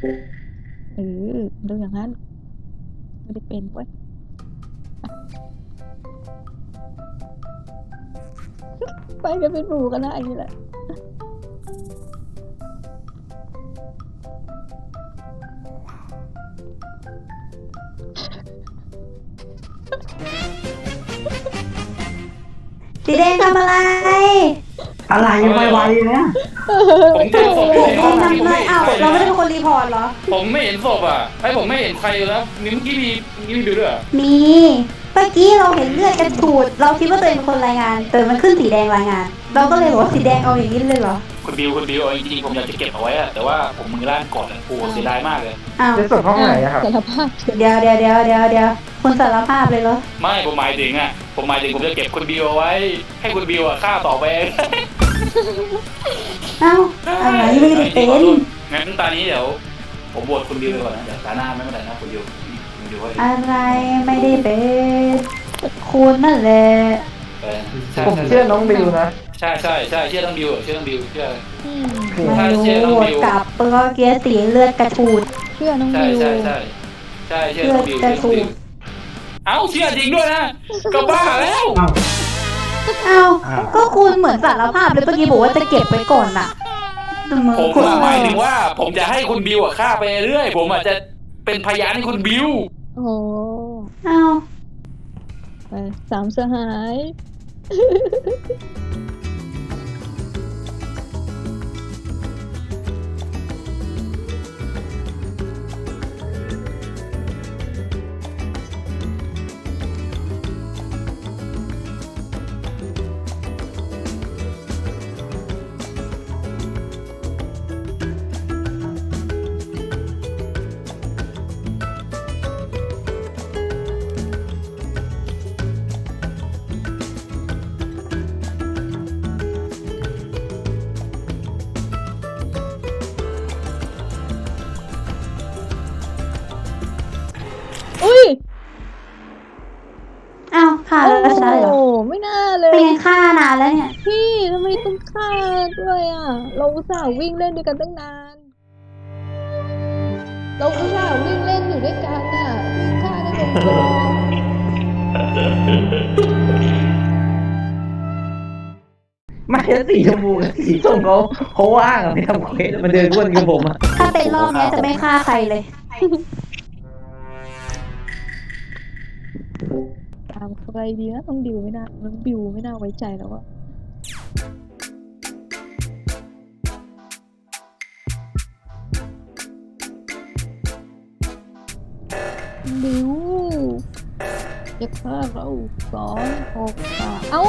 เออดูอย่างนั้นไม่ได้เป็นเว้ยไปกันเป็นหมู่กันนะอันนี้แหละสีแดงทำอะไรอะไรยังไวๆเนี่ยผมเจอศพสีแดงทำอะไรอ้าวเราไม่ได้เป็นคนรีพอร์ตเหรอผมไม่เห็นศพอ่ะผมไม่เห็นใครแล้วเมื่อกี้มีดูด้วยมีเมื่อกี้เราเห็นเลือดกระฉูดเราคิดว่าตัวเองเป็นคนรายงานแต่มันขึ้นสีแดงรายงาน เราก็เลยบอกว่าสีแดงเอาอย่างนี้เลยเหรอคุณบิวเอาจริงๆผมอยากจะเก็บเอาไว้อะแต่ว่าผมมือลั่นก่อนอะโอ้เสียดายมากเลยอ้าวจะส่งห้องไหนอะครับสารภาพเดี๋ยวคุณสารภาพเลยเหรอไม่ผมหมายถึงผมจะเก็บคุณบิวเอาไว้ให้คุณบิวฆ่าต่อไปอ้าวอะไรไม่ได้เป็นงั้นตอนนี้เดี๋ยวผมบวชคุณบิวไปก่อนนะเดี๋ยวตาหน้าไม่เป็นไรนะคุณบิวอะไรไม่ได้เป็นคุณนั่นแหละผมเชื่อน้องบิวนะใช่เชื่อต้องบิวเชื่อไม่รู้กลับเปลือกเกียร์สีเลือดกระฉูดเชื่อน้องบิวใช่เชื่อน้องบิวเอ้าเชื่อจริงด้วยนะก็บ้าแล้วอ้าวก็คุณเหมือนสารภาพเลยเมื่อกี้บอกว่าจะเก็บไว้ก่อนน่ะผมหมายถึงว่าผมจะให้คุณบิวฆ่าไปเรื่อยผมอาจจะเป็นพยานให้คุณบิวโอ้อ้าวไปสามสหายอุ้ยอ้าวฆ่าแล้วชนะเลยเหรอโอ้ไม่น่าเลยเป็นไงฆ่านานแล้วเนี่ยพี่ทำไมต้องฆ่าด้วยอ่ะเราอุตส่าห์วิ่งเล่นด้วยกันตั้งนานเราอุตส่าห์วิ่งเล่นอยู่ด้วยกันอ่ะวิ่งฆ่าได้ลงคอไม่ใช่สีชมพูกับสีส้มเขาว่างอะไม่ทำเควสมาเดินวนกับผมอะถ้าเป็นรอบนี้จะไม่ฆ่าใครเลยตามใครดีนะน้องบิวไม่น่าไว้ใจแล้วอะบิวจะฆ่าเรา2 6 3เอ้า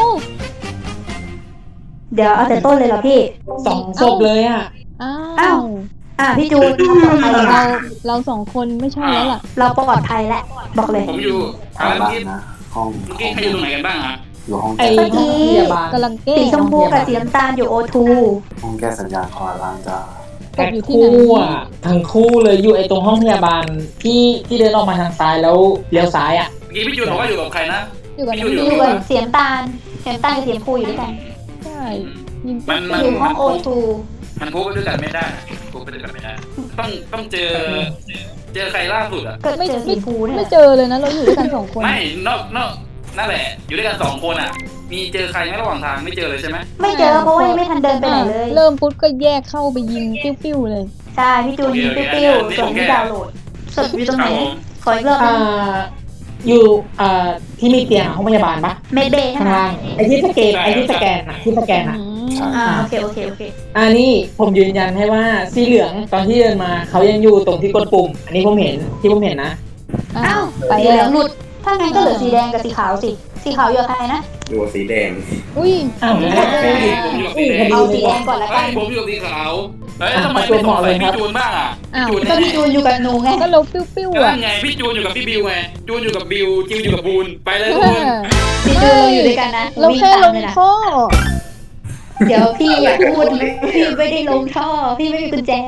เดี๋ยวเอาแต่ต้นเลยเหรอพี่ 2 ศพเลยอ่ะอ้าวพี่จูนเรา2 คนไม่ใช่แล้วล่ะเราปลอดภัยแล้วบอกเลยผมอยู่เมื่อกี้ใครอยู่ตรงไหนกันบ้างฮะอยู่ห้องพยาบาลกำลังแก้สีชมพูกับสีน้ำตาลอยู่O2 ห้องแก้สัญญาณคอล้างจ้าตกอยู่ที่ไหนทั้งคู่เลยอยู่ตรงห้องพยาบาลที่เดินออกมาทางซ้ายแล้วเลี้ยวซ้ายอ่ะเมื่อกี้พี่จูนบอกว่าอยู่กับใครนะอยู่กับสีน้ำตาลกับสีชมพูอยู่ด้วยกันใช่มันอยู่ห้องO2 มันพูดด้วยกันไม่ได้ต้องเจอใครล่าสุดอ่ะไม่เจอสีพูไม่เจอเลยนะเราอยู่ด้วยกัน2 คนไม่นอกนั่นแหละอยู่ด้วยกัน2 คนอ่ะมีเจอใครไหมระหว่างทางไม่เจอเลยใช่ไหมไม่เจอเพราะว่ายังไม่ทันเดินไปไหนเลยเริ่มปุ๊บก็แยกเข้าไปยิงปิ้วๆเลยใช่พี่จูนยิงปิ้วๆส่วนที่ดาวน์โหลดศพอยู่ตรงไหนขออีกรอบอยู่ที่มีเตียงห้องพยาบาลปะเมดเบย์ข้างล่างไอ้ที่สแกนอ่ะที่สแกนอ่ะโอเคนี่ผมยืนยันให้ว่าสีเหลืองตอนที่เดินมาเขายังอยู่ตรงที่กดปุ่มอันนี้ผมเห็นนะอ้าวสีเหลืองหลุดถ้างั้นก็เหลือสีแดงกับสีขาวสิสีขาวอยู่กับใครนะอยู่กับสีแดงอุ้ยเอาสีแดงก่อนละกันผมอยู่กับสีขาวทำไมไม่บอกเลยพี่จูนบ้างอ่ะก็พี่จูนอยู่กับหนูไงก็เราปิ้วๆอ่ะไงพี่จูนอยู่กับพี่บิวไงจูนอยู่กับบิวจิวอยู่กับบูนไปเลยทุกคนพี่จูนเราอยู่ด้วยกันนะเราแค่ลงท่อเดี๋ยวพี่อย่าพูดพี่ไม่ได้ลงท่อพี่ไม่มีกุญแจ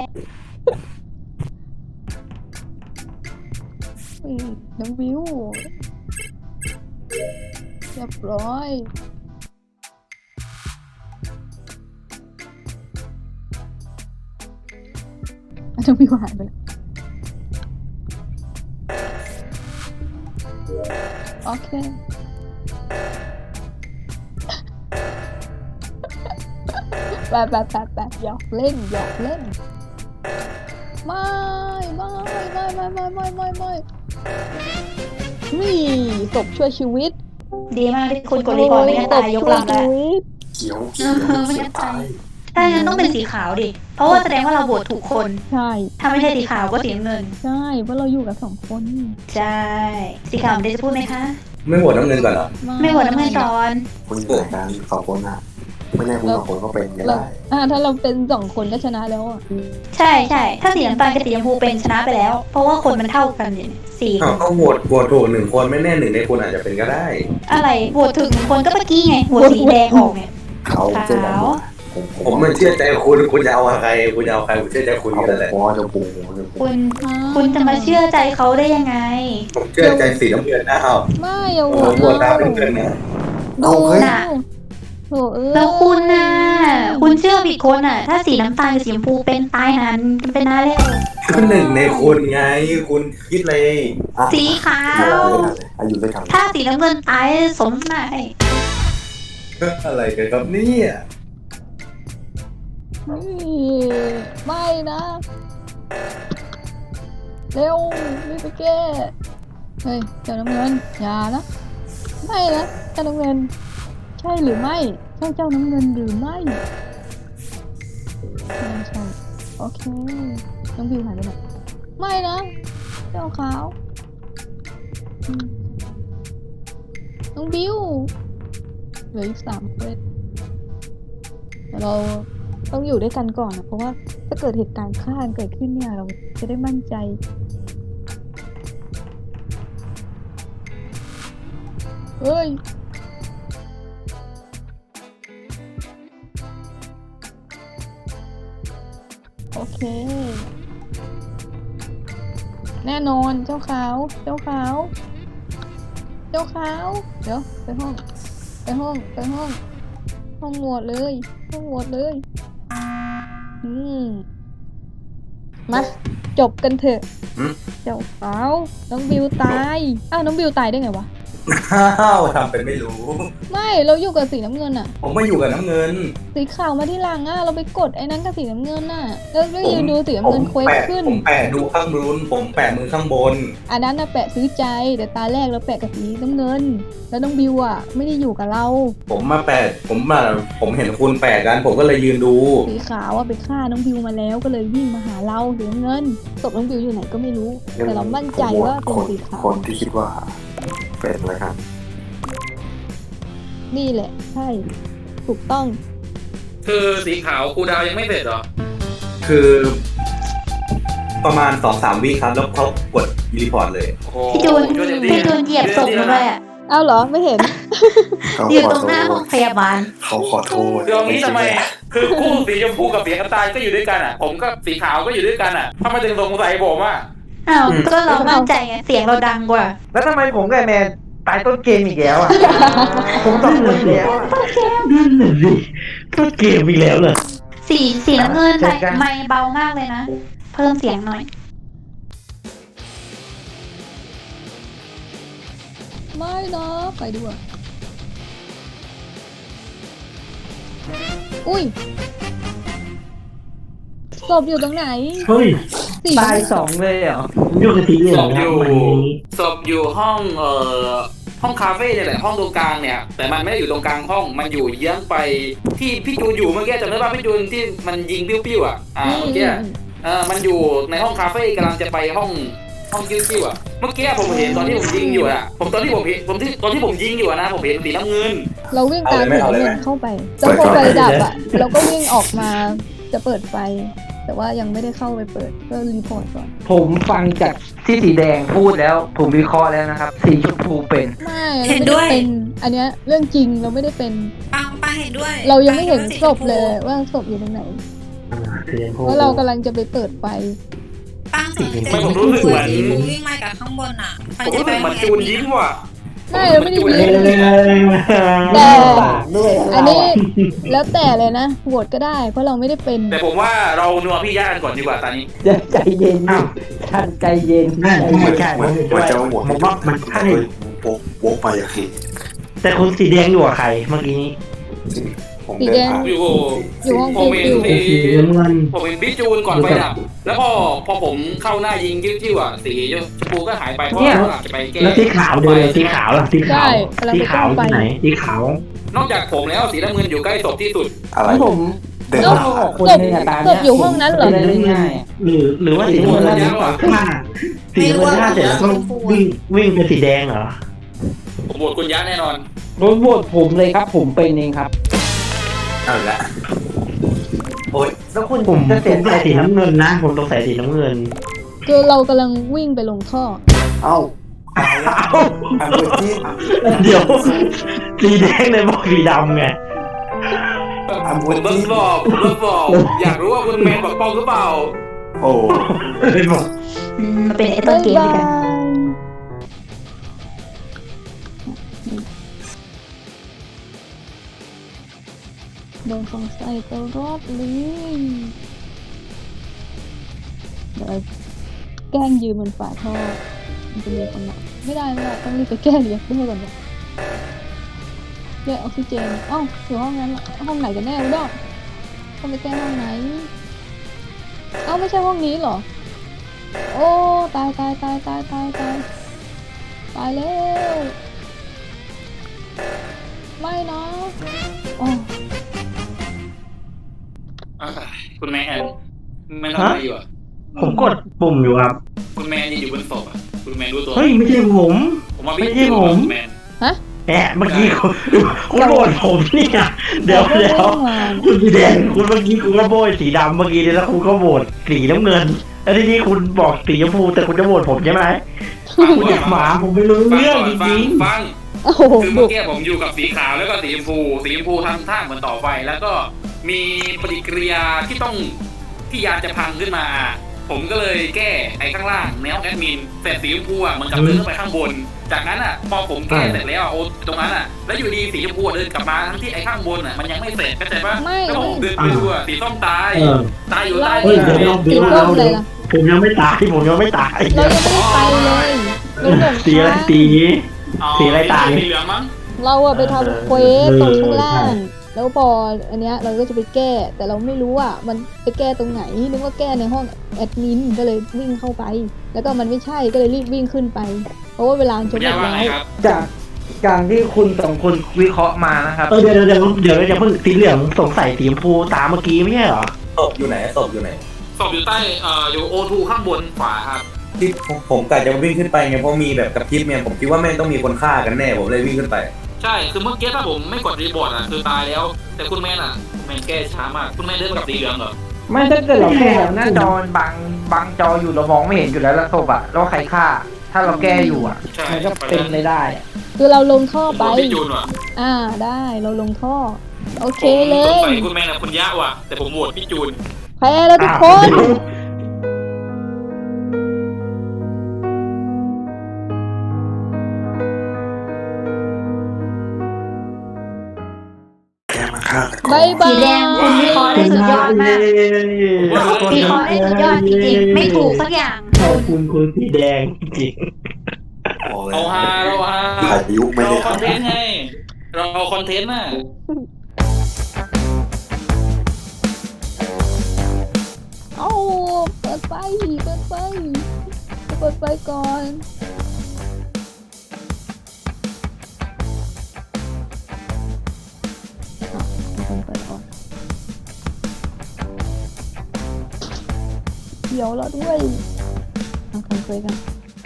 น้องบิวเรียบร้อยน้องบิวหายไปแล้วโอเคไปหยอกเล่นไม่นี่ศพช่วยชีวิตดีมากที่คุณกดรีพอร์ตไม่งั้นตายยกลำแล้วเขียวไม่งั้นตายถ้างั้นต้องเป็นสีขาวดิ เพราะว่าแสดงว่าเราโหวตถูกคนใช่ถ้าไม่ใช่สีขาวก็สีน้ำเงินใช่เพราะเราอยู่กับ2 คนใช่ สีขาวเดี๋ยวจะพูดไหมคะไม่โหวตน้ำเงินก่อนเหรอไม่โหวตน้ำเงินก่อนคุณอยู่ในการ2 คนอ่ะไม่แน่คุณ2 คนก็เป็นก็เราได้ถ้าเราเป็น2 คนก็ชนะแล้วอ่ะใช่ ถ้าสีน้ำตาลกับสีชมพูเป็นชนะไปแล้ว เพราะว่าคนมันเท่ากันอยู่สี่คอ้าวน ก็โหวตถูก1 คนไม่แน่1 ในคนอาจจะเป็นก็ได้อะไรโหวตถึง1 คนก็เมื่อกี้ไงโหวตสีแดงออกไงเขาเจอกันผมมันเชื่อใจคุณจะเอาใครผมเชื่อใจคุณเขากันแหละผมว่าจะปูคุณจะมาเชื่อใจเขาได้ยังไงผมเชื่อใจสีน้ำเงินนะเอาไม่เอาผมโหวตตามน้ำเงินนะดูน่ะโถ่เอ้ยแล้วคุณน่ะ คุณเชื่อผิดคนอ่ะ ถ้าสีน้ำตาลกับสีชมพูเป็นตายหันกันเป็นหน้าเร็วก็1 ในคนไงคุณคิดเลยสีขาวอายุด้วยกันถ้าสีน้ำเงินตายสมหมายอะไรกันครับเนี่ยไม่นะเร็วรีบไปแก้เฮ้ยเจ้าน้ำเงินอย่านะไม่นะเจ้าน้ำเงินใช่หรือไม่ใช่เจ้าน้ำเงินหรือไม่ไม่ใช่โอเคน้องบิวหายไปไหนไม่นะเจ้าขาวน้องบิวเหลืออีก3 เควสแต่เราต้องอยู่ด้วยกันก่อนนะเพราะว่าถ้าเกิดเหตุการณ์ฆ่าเกิดขึ้นเนี่ยเราจะได้มั่นใจเฮ้ยโอเคแน่นอนเจ้าขาวเดี๋ยวไปห้องโหวตเลยมาจบกันเถอะเจ้าขาวน้องบิวตายอ้าวน้องบิวตายได้ไงวะอ้าวทำเป็นไม่รู้ไม่เราอยู่กับสีน้ำเงินอะผมไม่อยู่กับน้ำเงินสีขาวมาที่หลังอะเราไปกดไอ้นั้นกับสีน้ำเงินน่ะแล้วก็ยืนดูสีน้ำเงินเควสขึ้นผมแปะดูข้างบนผมแปะมือข้างบนอันนั้นน่ะแปะซื้อใจแต่ตาแรกเราแปะกับสีน้ำเงินแล้วน้องบิวอะไม่ได้อยู่กับเราผมมาแปะผมเห็นคุณแปะกันผมก็เลยยืนดูสีขาวอะไปฆ่าน้องบิวมาแล้วก็เลยวิ่งมาหาเราสีน้ำเงินศพน้องบิวอยู่ไหนก็ไม่รู้แต่เรามั่นใจว่าเป็นสีขาวคนที่คิดว่าเป็นแล้วกันนี่แหละใช่ถูกต้องคือสีขาวครูดาวยังไม่เสร็จเหรอคือประมาณ 2-3 วิครับแล้วเขากดรีพอร์ตเลยโอ้โหพี่จูนช่วยเต็มที่พี่จูนเหยียบศพมาด้วยอ่ะอ้าวเหรอไม่เห็นอยู่ตรงหน้าห้องพยาบาลเขาขอโทษเดี๋ยวนี้ทำไมคือคู่สีชมพูกับสีน้ำตาลก็อยู่ด้วยกันอ่ะ ผมกับสีขาวก็อยู่ด้วยกันอ่ะทำไมถึงสงสัยผมอ่ะอ้าวก็เรามั่นใจไงเสียงเราดังกว่าแล้วทำไมผมกับแมนตายต้นเกมอีกแล้วอ่ะ ผม2 คนแล้วอะต้นเกมอีกแล้วเหรอสีน้ำเงินไม่เบามากเลยนะ เพิ่มเสียงหน่อยไม่นะไปดูอ่ะอุ้ยศพอยู่ตรงไหนเฮ้ยสีตาย 2 เลยเหรออยู่กับสีเหลืศองพคอรับยู่วันนี้ศพอยู่ห้องห้องคาเฟ่เนี่ยแหละห้องตรงกลางเนี่ยแต่มันไม่ได้อยู่ตรงกลางห้องมันอยู่เยื้องไปที่พี่จูนอยู่เมื่อกี้จำได้ป่ะพี่จูนที่มันยิงปิ้วๆอ่ะเมื่อกี้มันอยู่ในห้องคาเฟ่กำลังจะไปห้องกิ้วๆอ่ะเมื่อกี้ผมเห็นตอนที่ผมยิงอยู่อ่ะตอนที่ผมยิงอยู่นะผมเห็นสีน้ำเงินเราวิ่งตามสีน้ำเงินเข้าไปแล้วพอไฟดับอ่ะเราก็วิ่งออกมาจะเปิดไฟแต่ว่ายังไม่ได้เข้าไปเปิดก็รีพอร์ตก่อนผมฟังจากที่สีแดงพูดแล้ว ผมวิเคราะห์แล้วนะครับ สีชมพูเป็นไม่เราไม่ได้เป็นอันเนี้ยเรื่องจริงเราไม่ได้เป็นปังเห็นด้วยเรายังไม่เห็นศพเลยว่าศพอยู่ตรงไหนเพราะเรากำลังจะไปเปิดไฟปังไม่ผมรู้สึกเหมือนวิ่งมาจากข้างบนอ่ะผมรู้สึกเหมือนจูนยิ้มว่ะไม่เราไม่ได้ยินแต่ อันนี้แล้วแต่เลยนะโหวตก็ได้เพราะเราไม่ได้เป็นแต่ผมว่าเรานัวพี่ย่ากันก่อนดีกว่าตอนนี้ใจเย็นท่านใจเย็นเหมือนจะหมดผมว่ามันใช่วกไปอย่างนี้แต่คุณสีแดงอยู่กับใครเมื่อกี้นี้ผมเดินผ่านอยู่อยู่ห้องผมเห็นฟิวสีน้ำเงินผมเห็นพี่จูนก่อนไฟดับแล้วพอผมเข้าหน้ายิงจิ้วๆอ่ะสีชมพูก็หายไปเพราะว่าเขาอาจจะไปแก้แล้วสีขาวเดินเลยสีขาวล่ะสีขาวใช่กำลังสีไปขาวไปที่ไหนสีขาวนอกจากผมแล้วสีน้ำเงินอยู่ใกล้ศพที่สุดอะไรแล้วผมเดินแล้วผ่านออกคนหนึงอะตามศพอยู่ห้องนั้นเหรอจะได้ง่ายๆอะหรือว่าสีน้ำเงินฆ่าสีน้ำเงินฆ่าเสร็จแล้วก็วิ่งเป็นสีแดงเหรอผมโหวตคุณยะแน่นอนโดนโหวตผมเลยครับ ผมเป็นเองครับเอาละโอ้ยแล้วคุณผมจะเสียใส่สีน้ำเงินนะผมต้องใส่สีน้ำเงินคือเรากำลังวิ่งไปลงท่อเอ้าเอาละอันเปิดที่เดี๋ยวสีแดงเลยบอกสีดำไงอันผเปิมดเบิที่ร์บอกอยากรู้ว่าคุณแมนบอกป้องหรือเปล่าโอ้มันเป็นไอ้ต้นเกมด้วยกันโดนของใส่ตลอดเลยเดี๋ยวแกล้งยืนบนฝาท่อมันจะมีคนมาไม่ได้ต้องรีบไปแก้เรียกด้วยก่อนเรียกออกซิเจนอยู่ห้องนั้นห้องไหนกันแน่วะดอกต้องไปแก้ห้องไหนไม่ใช่ห้องนี้เหรอโอ้ตายแล้วไม่นะคุณแมนทำอะไรอยู่อ่ะผมกดปุ่มอยู่ครับคุณแมนยืนอยู่บนศพอ่ะคุณแมนรู้ตัวเฮ้ยไม่ใช่ผมผมว่าไม่ใช่ผมคุณแมนแหมเมื่อกี้คุณโบยผมเนี่ยเดี๋ยวคุณสีแดงคุณเมื่อกี้คุณก็โบยสีดำเมื่อกี้แล้วคุณก็โบยสีน้ำเงินแล้วทีนี้คุณบอกสีชมพูแต่คุณจะโบยผมใช่ไหมคุณอยากหมาผมไม่รู้เรื่องจริงฟังโอ้โหคือเมื่อกี้ผมอยู่กับสีขาวแล้วก็สีชมพูทำท่าเหมือนต่อไฟแล้วก็มีปฏิกิริยาที่ยานจะพังขึ้นมา ผมก็เลยแก้ไอ้ข้างล่างในห้องแอดมินเสร็จสีชมพูอ่ะมันกลับเดินขึ้นไปข้างบนจากนั้นอ่ะพอผมแก้เสร็จแล้วโอ้ตรงนั้นอ่ะแล้วอยู่ดีสีชมพูเดินกลับมาทั้งที่ไอ้ข้างบนอ่ะมันยังไม่เสร็จเข้าใจปะแล้วผมเดินไปดูอ่ะสีส้มตายอยู่ใต้เฮ้ยเดี๋ยวสีส้มเลยล่ะผมยังไม่ตายเรายังไม่ได้ไปเลยเราหลงสีอะไรทางสีอะไรตายสีเหลืองมั้งเราอะไปทำเควสตรงข้างล่าง แล้วพออันเนี้ยเราก็จะไปแก้ แต่เราไม่รู้ว่ามันไปแก้ตรงไหนนึกว่าแก้ในห้องแอดมินก็เลยวิ่งเข้าไป แล้วก็มันไม่ใช่ก็เลยรีบวิ่งขึ้นไป เพราะว่าเวลาจะหมดยาว่าแล้ไงวครับจากการที่คุณสองคนวิเคราะห์มานะครับเดี๋ยวจะเพิ่งสีเหลืองสงสัยสีชมพูตามเมื่อกี้ไม่ใช่เหรอศพอยู่ไหนศพอยู่ไหนศพอยู่ใต้อยู่โอทูข้างบนขวาครับที่ผมกะจะวิ่งขึ้นไปไงเพราะมีแบบกระพริบเนี่ยผมคิดว่าแม่งต้องมีคนฆ่ากันแน่ผมเลยวิ่งขึ้นไปใช่คือเมื่อกี้ถ้าผมไม่กดรีบอร์ดอ่ะคือตายแล้ว แต่คุณแมนอ่ะคุณแมนแก้ช้ามากคุณแมนเดินมากับสีเหลืองเหรอไม่ถ้าเกิดเราแก้หน้าจอบังจออยู่เรามองไม่เห็นอยู่แล้วแล้วศพอะแล้วใครฆ่า ถ้าเราแก้อยู่อะใช่มันก็เป็นไปได้อะคือเราลงท่อไปพี่จูนว่ะได้เราลงท่อ โอเคเลผมสงยสัยคุณแมนกับคุณยะว่ะแต่ผมโหวตพี่จูนแพ้แล้วทุกคนแกมาฆ่ากันก่อนบายบายสีแดงคุณวิเคราะห์ได้สุดยอดมากวิเคราะห์ได้สุดยอดจริงๆ ไม่ถูกสักอย่างขอบคุณคุณสีแดงจริงบอกเลยเราฮาพายุไม่เราได้คอนเททำนต์ไงเราคอนเทนต์น่ะเปิดไฟก่อนเดี๋ยวเราด้วยเอาคอนเฟรกัน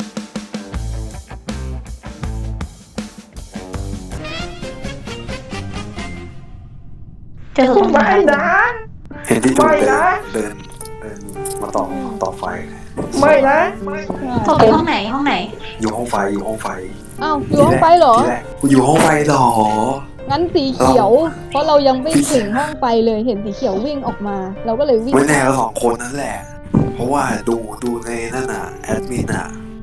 เจอศพตรงไหนเห็นที่จูนเดินมาต่อไฟไม่นะศพอยู่ห้องไหนห้องไหนอยู่ห้องไฟอยู่ห้องไฟอ้าวอยู่ห้องไฟเหรอที่แรกอยู่ห้องไฟเหรองั้นสีเขียว เพราะเรายังไม่ถึงห้องไฟเลยเห็นสีเขียววิ่งออกมา เราก็เลยวิ่งไม่แน่ก็สองคนนั่นแหละ เพราะว่าดูในนั่นน่ะแอดมินน่ะ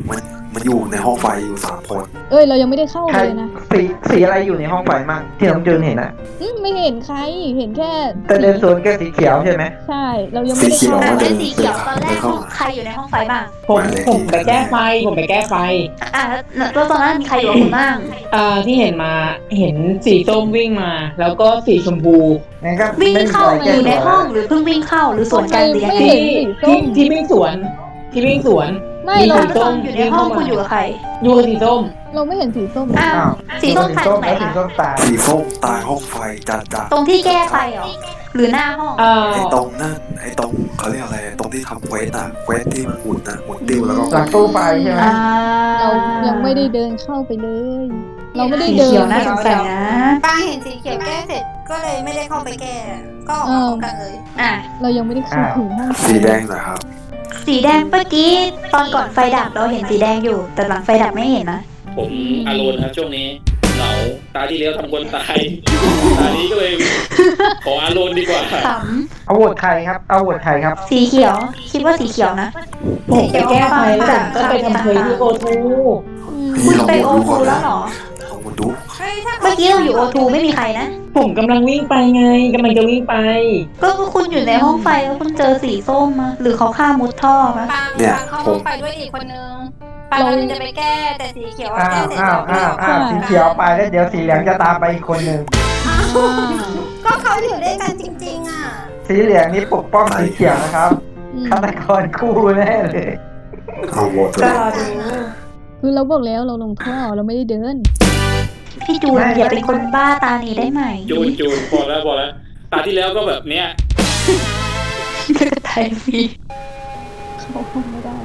มันอยู่ในห้องไฟอยู่3 คนเอ้ยเรายังไม่ได้เข้าใครเลยนะสีอะไรอยู่ในห้องไฟมั่งที่น้องจูนเห็นอะไม่เห็นใครเห็นแค่แต่เดินสวนแค่สีเขียวใช่ไหมใช่เรายังไม่ได้เข้าอ่ะเลเป็นยสีเขียวตอนแรกห้องใครอยู่ในห้องไฟบ้างผมไปแก้ไฟอ่ะแล้วตอนนั้นมีใครอยู่กับคุณบ้างที่เห็นมาเห็นสีส้มวิ่งมา แล้วก็สีชมพูงั้นก็วิ่งไม่มีเข้าอะไรอแก้ยู่ในตัวห้องหรือเพิ่งวิ่งเข้าหรือสวนกันหรือยังไงไม่เห็นสีส้มที่วิ่งสวนไม่มีเราแล้วตอนอยู่ในห้องคุณอยู่กับใครอยู่กับสีส้มเราไม่เห็นสีส้มอ้าวอ้าวสีส้มตายตรงไหนแล้วสีคะส้มตายสีส้มตายห้องไฟจัดตรงที่แก้ไฟเหรอหรือหน้าห้องไอ้ตรงนั่นไอ้ตรงเขาเรียกอะไรตรงที่ทำเควสอะเควสที่มันหมุนอะหมุนติ้วแล้วก็หลังตู้ไฟใช่ไหมเรายังไม่ได้เดินเข้าไปเลย เราไม่ได้สีเดิเขียวน น่าสงสัยนะป้าเห็นสีเขียวแก้เสร็จก็เลยไม่ได้เข้าไปแก้ ก็ออกมาพร้อมกันเลยอ่ะเรายังไม่ได้เข้าถึงห้องไฟสีแดงนะครับสีแดงเมื่อกี้ตอนก่อนไฟดับเราเห็นสีแดงอยู่ แต่หลังไฟดับไม่เห็นนะผมอารมณ์ครับช่วงนี้เหงาตาที่แล้วทำคนตายตานี้ก็เลยขออารมณ์ดีกว่าขเอาโหวตใครครับเอาโหวตใครครับำสีเขียว คิดว่าสีเขียวนะผมไปแก้ไฟแล้วผมก็ไปทำเควสที่โอทูคุณไปโอทูแล้วเหรอลองมาดูเฮ้ยถ้าเมื่อกี้เราอยู่โอทูไม่มีใครนะผมกำลังวิ่งไปไงกำลังจะวิ่งไปก็คุณอยู่ในห้องไฟแล้วคุณเจอสีส้มมาหรือเขาฆ่ามุดท่อปะปางเข้าห้องไปด้วยอีกคนนึงปางกำลังจะไปแก้แต่สีเขียวอะอ้าแก้วเสร็จอ้าวแล้วสีเขียวไปแล้วเดี๋ยวสีเหลืองจะตามไปอีกคนหนึ่งก็เขาอยู่ด้วยกันจริงๆอ่ะสีเหลืองนี่ปกป้องสีเขียวนะครับฆาตกรคู่แน่เลยเอาโหวตเลก็ยรอดูคือเราบอกแล้วเราลงท่อเราไม่ได้เดินพี่จูนอย่าเป็นคนบ้าตานี้ได้ไหมจูนพอแล้วตาที่แล้วก็แบบเนี้ยกระต่ายฟรีเข้าห้องไม่ได้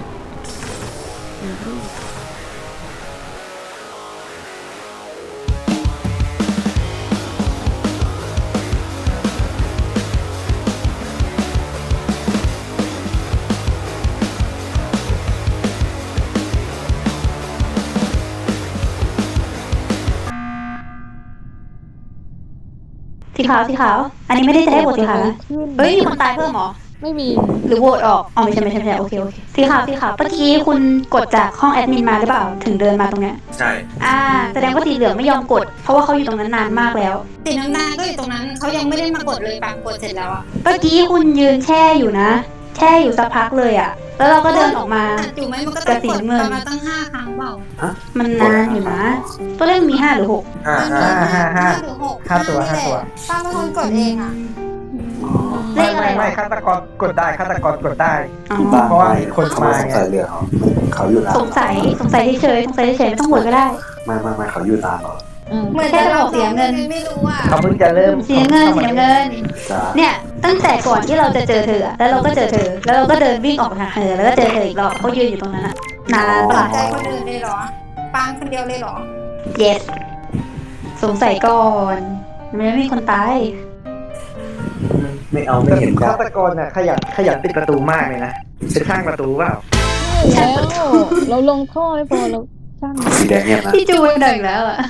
สีขาวสีขาว อันนี้ไม่ได้จะให้โหวตสีขาวนะเฮ้ยมีคนตายเพิ่มเหรอไม่มีหรือโหวตออกอ๋อไม่ใช่โอเคสีขาวสีขาวเมื่อกี้คุณกดจากห้องแอดมินมาหรือเปล่าถึงเดินมาตรงเนี้ยใช่แสดงว่าสีเหลืองไม่ยอมกด เพราะว่าเขาอยู่ตรงนั้นนานมากแล้วสีน้ำตาลก็อยู่ตรงนั้นเขายังไม่ได้มากดเลยปางกดเสร็จแล้วอ่ะเมื่อกี้คุณยืนแช่อยู่นะ แช่อยู่สักพักเลยอ่ะ แล้วเราก็เดินออกมาอยู่ไหมมันก็ต้องกดประมาณตั้ง5 ครั้งเปล่ามันนานอยู่นะ ตัวเลขมี5 หรือ 6 ห้าหรือ6 ห้าตัวป้าเป็นคนกดเองอ่ะเลขอะไรไม่ฆาตกรกดได้ฆาตกรกดได้อ๋อเพราะว่ามีคนเขามาไม่สงไงสัยเหลืองเขาอยู่นานสงสัยเฉยไม่ต้องโหวตก็ได้ไม่เขาอยู่นานเหรอเหมือนจะเราเสียเงินไม่รู้อ่ะเขาเพิ่งจะเริ่มสีน้ำเงินจ้าเนี่ย ตั้งแต่ก่อนที่เราจะเจอเธออะแล้วเราก็เจอเธอ แล้วเราก็เดินวิ่งออกมาหาเธอ แล้วก็เจอเธออีกรอบเขายืนอยู่ตรงนั้นอะนานปะล่ะใจคนอื่นเลยเหรอปางคนเดียวเลยเหรอ yes สงสัยก่อนมันไม่มีคนตายไม่เอาไม่เห็นฆาตกรน่ะขยันปิดประตูมากเลยนะเป็นช่างประตูเปล่าใช่แล้วเราลงท่อไม่พอเราช่างสีแดงเนี่ยนะพี่จูนดึงแล้วอะ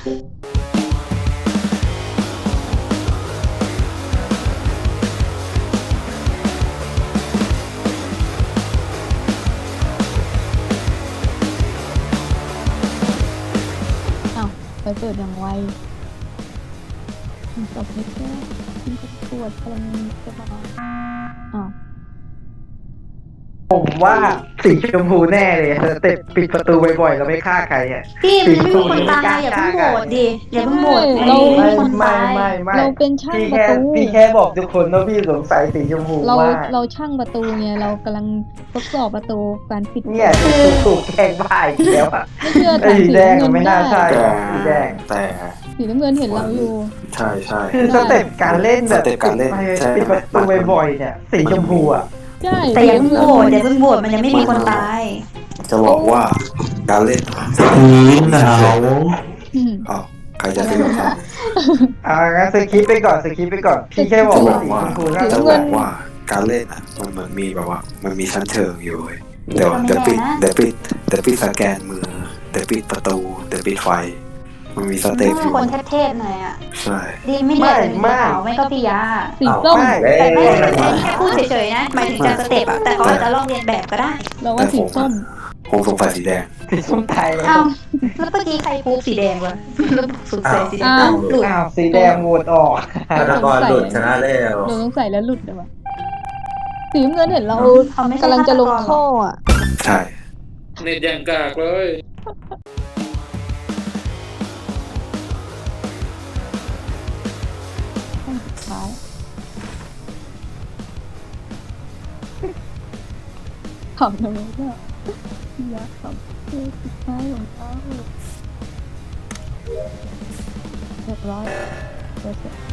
ไปเปิดอย่างไวจบไม่แค่ตรวจกำลังจะมาอ้าวผมว่าสีชมพูแน่เลยสเต็ปปิดประตูบ่อยๆเราไม่ฆ่าใครอ่ะพี่มันไม่มีคนตายอย่าเพิ่งโหวตดิอย่าเพิ่งโหวตเราไม่มีคนตายไม่เราเป็นช่างประตูพี่แค่บอกทุกคนว่าพี่สงสัยสีชมพูเรามากเราช่างประตูเนี่ยเรากำลังทดสอบประตูการปิดเนี่ยถูกแกล้งบ้าอีกแล้วอ่ะไม่เชื่อไอ้แต่สีสีแดงน้ำเงินไม่น่าใช่ได้สีแดงแต่สีน้ำเงินเห็นเราอยู่ใช่คือสเต็ปการเล่นแบบสเต็ปการเล่นใช่ปิดประตูบ่อยๆเนี่ยสีชมพูอ่ะใช่แต่อย่าเพิ่งโหวตมันยังไม่มีคนตายจะบอกว่าการเล่นหนาวอืมอ้าวใครจะซื้อกับใครงั้นสคิปไปก่อนพี่แค่บอกจะบว่าอกสีว่าชมพูน่าจะจะบอกว่าการเล่นอ่ะมันเหมือนมีแบบว่ามันมีชั้นเชิงอยู่เว้ยเดี๋ยวปิดสแกนมือเดี๋ยวปิดประตูเดี๋ยวปิดไฟมันมีสเต็ปอมียู่คนเทพๆหน่อยอ่ะใช่ดีไม่เด็ดเป็นสีขาวไม่ก็พี่ยาสีส้มแต่ไม่ได้แค่พูดเฉยๆนะหมายถึงการสเต็ปอะแต่เขาอาจจะลองเรียนแบบก็ได้เราว่าสีส้มผมสงสัยสีแดงสีส้มไทยเลยอ้าวแล้วเมื่อกี้ใครพูดสีแดงวะแล้วสุดใส่สีแดงอ้าวหลุดอ้าวสีแดงโหวตออกฆาตกรหลุดชนะแล้วเราต้องใส่แล้วหลุดเลยวะสีน้ำเงินเห็นเราเขาไม่ใช่กำลังจะลงฆาตกรหรอท่ออ่ะใช่เน็ตอย่างกากเลยห้องสุดท้ายขำทำไมเนี่ยอยากขำคือสุดท้ายของเขาเรียบร้อยเสร็จ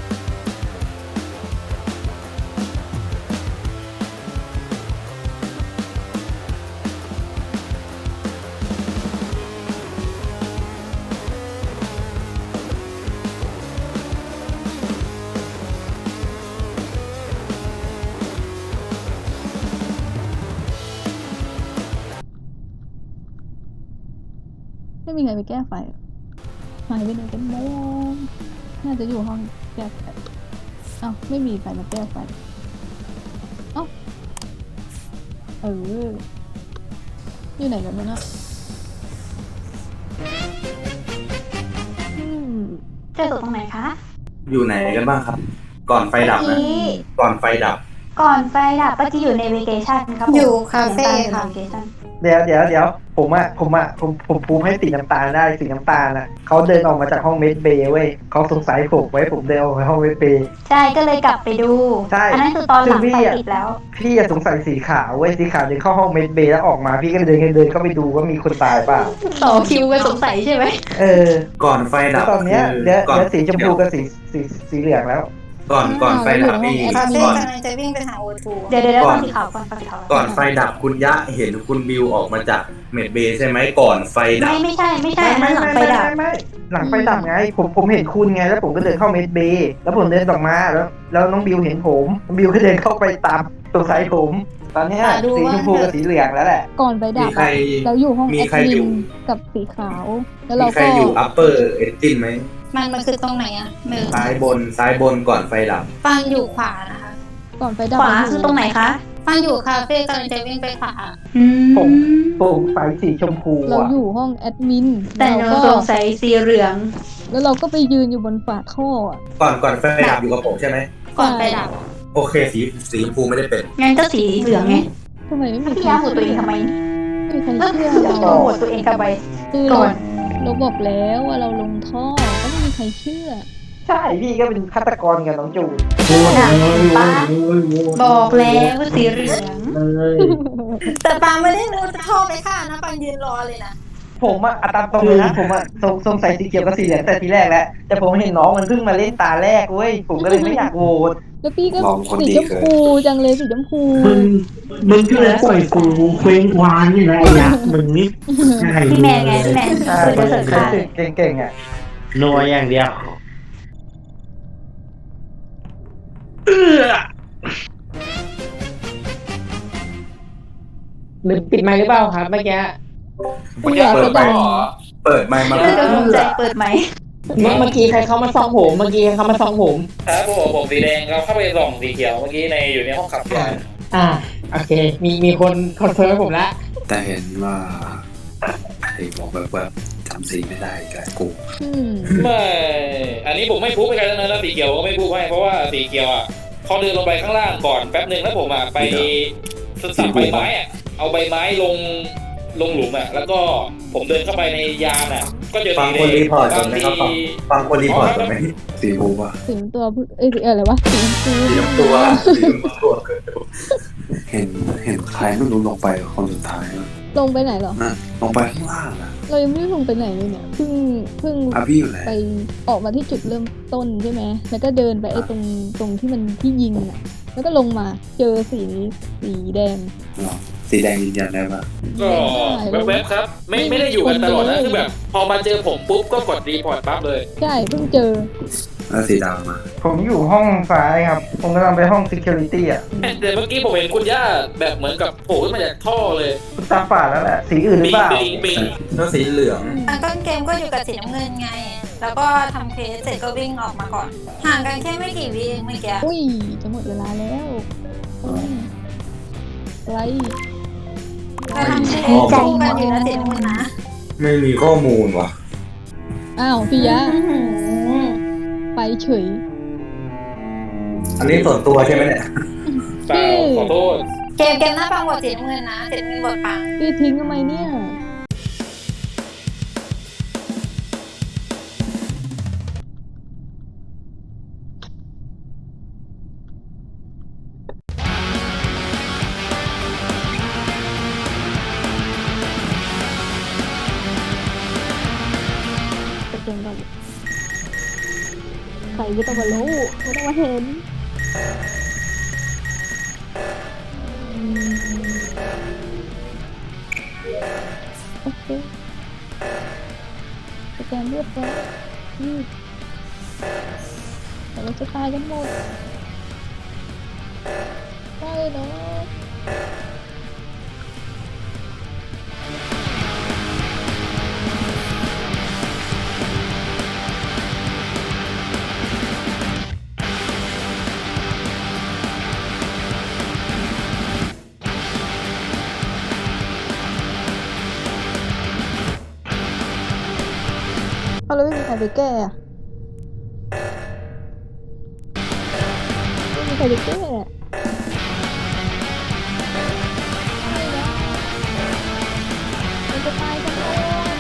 ไม่มีใครไปแก้ไฟหรอหายไปไหนกันหมดน่าจะอยู่ห้องแก้ไฟเอ้าไม่มีใครมาแก้ไฟเอ้าอยู่ไหนกันบ้างอะเจอศพตรงไหนคะอยู่ไหนกันบ้างครับ ก่อนไฟดับเมื่อนะกี้ก่อนไฟดับก่อนไฟดับเมื่อกี้อยู่ในเวเกชั่นครับผมอยู่คาเฟ่สียงตามค่ะอยู่ใน vacation เดี๋ยวผมภูมิให้สีน้ำตาลได้สีน้ำตาลอ่ะเขาเดินออกมาจากห้องเมดเบย์เว้ยเขาสงสัยผมไว้ผมเดินออกมาห้องเมดเบย์ใช่ก็เลยกลับไปดูใช่อันนั้นคือตอนหลังคือพี่ไฟอะติดแล้วพี่อะสงสัยสีขาวเว้ยสีขาวเดินเข้าห้องเมดเบย์แล้วออกมาพี่ก็เดินเข้าไปดูว่ามีคนตายเปล่าต่อคิวกันสงสัยใช่ไหมเออก่อนไฟแล้ดัวบตอนเนี้ยคือเหลือก่อนสีชมพูกับสีเหลืองแล้วก่อนไฟดับนี่คาเฟ่ก่อนกำลังจะวิ่งไปหาโอทูเดี๋ยวก่ฟัอนงสีขาวก่อนฟังสีขาวก่อนไฟดับคุณยะเห็นคุณบิวออกมาจากเมดเบย์ใช่ไหมก่อนไฟดับไม่ใช่อันนั้นหลังไฟดับไม่หลังไฟดับไงผมเห็นคุณไงแล้วผมก็เดินเข้าเมดเบย์แล้วผมเดินออกมาแล้วน้องบิวเห็นผมน้องบิวก็เดินเข้าไปตามสงสัยผม ตอนเนี้ยสีชมพูกับสีเหลืองแล้วแหละก่อนไปดัมีบใครอะเราอยู่ห้องมีแอดใครมิอยู่นกับสีขาว แล้วมีเราใครก็อยู่ upper engine ไหมมันคือตรงไหนอ่ะมือซ้ายบนก่อนไฟดับฟังอยู่ขวานะคะก่อนไปดับขวาเรคือตรงไหนคะฟังอยู่คาเฟ่กำลังจะวิ่งไปขวาผมไฟสีชมพูเราอ่ะอยู่ห้องแอดมินแต่หนูเราสก็งสัยสีเหลืองแล้วเราก็ไปยืนอยู่บนฝาท่ออะก่อนไฟดับอยู่กับผมใช่ไหมก่อนไปดับโอเคสีชมพูไม่ได้เป็นงั้นก็สีเหลืองไงทำไมไม่มีพี่ใครยาหัวตัวเองทำไมไม่มีใครเชื่อโกเรารธตัวเองทำไมคือก่เราอนเราบอกแล้วว่าเราลงท่อก็ไม่มีใครเชื่อใช่พี่ก็เป็นฆาตกรกับน้องจูนน่ะป้าบอกแล้วว่าสีเหลืองแต่ปางไม่ได้รู้จะเข้าไปฆ่านะปางยืนรอเลยนะผมอะตามตรงเลยนะผมอะสงสัยสีเขียวกับสีเหลืองแต่ทีแรกแล้วแต่ผมเห็นน้องมันเพิ่งมาเล่นตาแรกเว้ยผมก็เลยไม่อยากโหวตแล้วพี่ก็ลองคนสีดีชมเกินพูจังเลยสีชมพูมึงก็เลยปล่อยกูเคว้งคว้างนี่แหละไอ้ยักษ์มึงนี่ใช่พี่แมนไงพี่แมนใช่คือเสิร์ฟค่ะเก่งๆอ่ะนัวอย่างเดียวหรือปิดไมค์หรือเปล่าครับเมื่อกี้เมื่อกี้เปิดไปเหรอเปิดไมค์มาเพื่อนก็สนใจเปิดไหมเมื่อกี้ใครเข้ามาส่องผมครับผมสีแดงเราเข้าไปส่องสีเขียวเมื่อกี้ในอยู่ในห้องขับยานโอเคมีคนคอนเฟิร์มให้ผมละแต่เห็นว่าไอ้บอกแบบจำสีไม่ได้กับกูไม่อันนี้ผมไม่พูดไปกันแล้วนะสีเขียวก็ไม่พูดให้เพราะว่าสีเขียวอ่ะเขาเดินลงไปข้างล่างก่อนแป๊บหนึ่งแล้วผมอ่ะไปสับใบไม้อ่ะเอาใบไม้ลงหลุมอ่ะแล้วก็ผมเดินเข้าไปในยานอ่ะก็เจอฟังสีแดคนรีงพอร์ตก่อนไหมครับฟังคนรีพอร์ตก่อนไหมสีชมพูป่ะสีตัวสีอะไรวะสีชมพูสีน้ำตัวสีน้ำตัวเห็นใครไม่รู้ลงไปคนสุดท้ายอะลงไปไหนเหรอนะลงไปข้างล่างอะเรายังไม่ได้ลงไปไหนเลยเนี่ยเพิ่งอาพี่อยู่ไหนไปออกมาที่จุดเริ่มต้นใช่ไหมแล้วก็เดินไปไอ้ตรงที่มันที่ยิงอ่ะแล้วก็ลงมาเจอสีแดงหรอสีแดงยืนยันได้ป่ะก็แวบๆครับไม่ได้อยู่กันตลอดนะคือแบบพอมาเจอผมปุ๊บก็กดรีพอร์ตปั๊บเลยใช่เพิ่งเจอแล้วสีดำมาผมอยู่ห้องซ้ายครับผมกำลังไปห้อง security อ่ะแต่เมื่อกี้ผมเห็นคุณย่าแบบเหมือนกับโผล่ขึ้นมาจากท่อเลยตาฝาดแล้วแหละสีอื่นหรือเปล่าปิงแล้วสีเหลืองตอนต้นเกมก็อยู่กับสีน้ำเงินไง แล้วก็ทำเคสเสร็จก็วิ่งออกมาก่อน ห่างกันแค่ไม่กี่วิเองเมื่อกี้อุ้ยจะหมดเวลาแล้วไรเราทำเควสคู่กันอยู่นะสีน้ำเงินนะไม่มีข้อมูลว่ะอ้าวพี่ยะไปเฉยอันนี้ส่วนตัวใช่ไหมเนี่ยเปล่าขอโทษเกมหน้าปังบทสีน้ำเงินนะสีน้ำเงินบทปังพี่ทิ้งทำไมเนี่ยไปเกมก่อนใครไม่ต้องมารู้ไม่ต้องมาเห็นโอเคสแกนเรียบร้อยนี่แต่เราจะตายกันหมดใช่เนาะเอาแล้วไม่มีใครไปแก้อะไม่มีใครไปแก้อะไม่นะมันจะตายกันหมด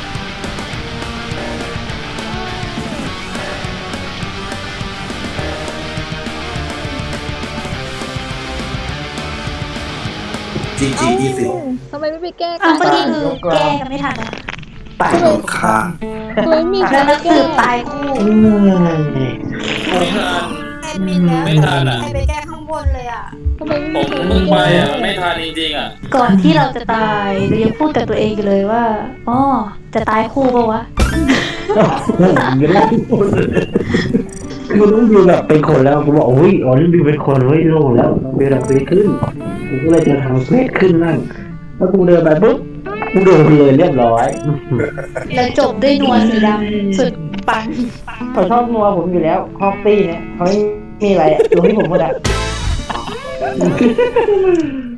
จีจีเอ้า 20 ทำไมไม่ไปแก้กัอ้าวน เมื่อกี้คือแก้กันไม่ทันอะตายข้างทำไมไม่มีใครแล้วไปนักสืแก้บตายคู่ไม่ทันแอดมินแล้วไม่ทันอะใครไปแก้ข้างบนเลยอ่ะทำไมผไม่มมีใครเพิ่งไปแก้อ่ะไม่ทันจริงๆอ่ะก่อนที่เราจะตายเรายังพูดกับตัวเองอยู่เลยว่าอ๋อจะตายคู่ปะวะไม่ได้พูดเลยกูต้องดูแบบเป็นคนแล้วกูบอกโอ้ยอ๋อนี่ดูเป็นคนเฮ้ยโล่งแล้วเวลาไปขึ้นกูก็เลยจะทำเควสขึ้นนั่นแล้วกูเดินไปปุ๊บกูโดนเลยเรียบร้อยแล้วจบด้วยนัวสีดำสุดปังเขาชอบนัวผมอยู่แล้วฮอกตี้เนี่ยเขาไม่มีอะไรอะดูให้ผมหมดอะ